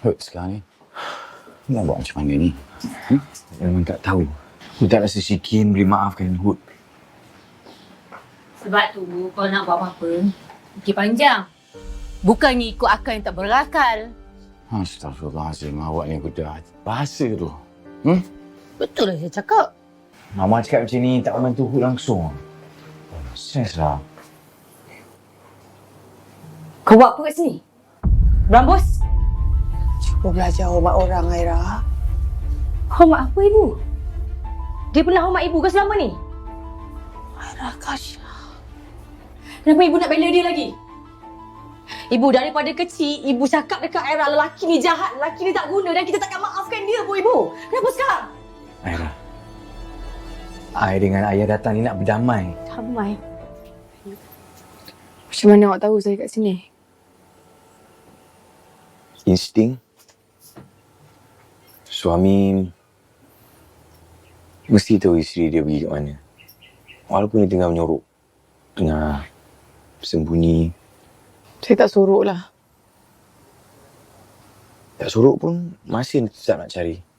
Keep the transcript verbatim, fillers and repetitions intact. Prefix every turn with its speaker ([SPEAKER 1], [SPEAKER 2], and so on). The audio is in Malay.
[SPEAKER 1] Hurt sekarang ni. Nak buat macam mana ni? Hmm?
[SPEAKER 2] Memang tak tahu. Aku tak rasa si Kim boleh maafkan Hood.
[SPEAKER 3] Sebab tu, kalau nak buat apa-apa, fikir panjang. Bukannya ikut akal yang tak berakal.
[SPEAKER 1] Astaghfirullahaladzim, awak ni kuda bahasa tu. Hmm?
[SPEAKER 3] Betul lah saya cakap.
[SPEAKER 2] Mama cakap macam ni tak membantu Hood langsung. Stres lah.
[SPEAKER 3] Kau buat apa kat sini? Berambus?
[SPEAKER 4] Cuba belajar hormat orang, Aira.
[SPEAKER 3] Hormat apa ibu? Dia pernah hormat ibu ke selama ni?
[SPEAKER 4] Aira, Kasha.
[SPEAKER 3] Kenapa ibu nak bela dia lagi? Ibu daripada kecil, ibu cakap dekat Aira lelaki ni jahat, lelaki ni tak guna dan kita takkan maafkan dia pun ibu. Kenapa sekarang?
[SPEAKER 2] Aira. Ai dengan ayah datang ni nak berdamai.
[SPEAKER 4] Damai. Macam mana awak tahu saya kat sini?
[SPEAKER 2] Insting. Suami mesti tahu isteri dia pergi kat mana. Walaupun dia tengah menyorok. Tengah sembunyi.
[SPEAKER 4] Saya tak sorok lah.
[SPEAKER 2] Tak sorok pun masih tetap nak cari.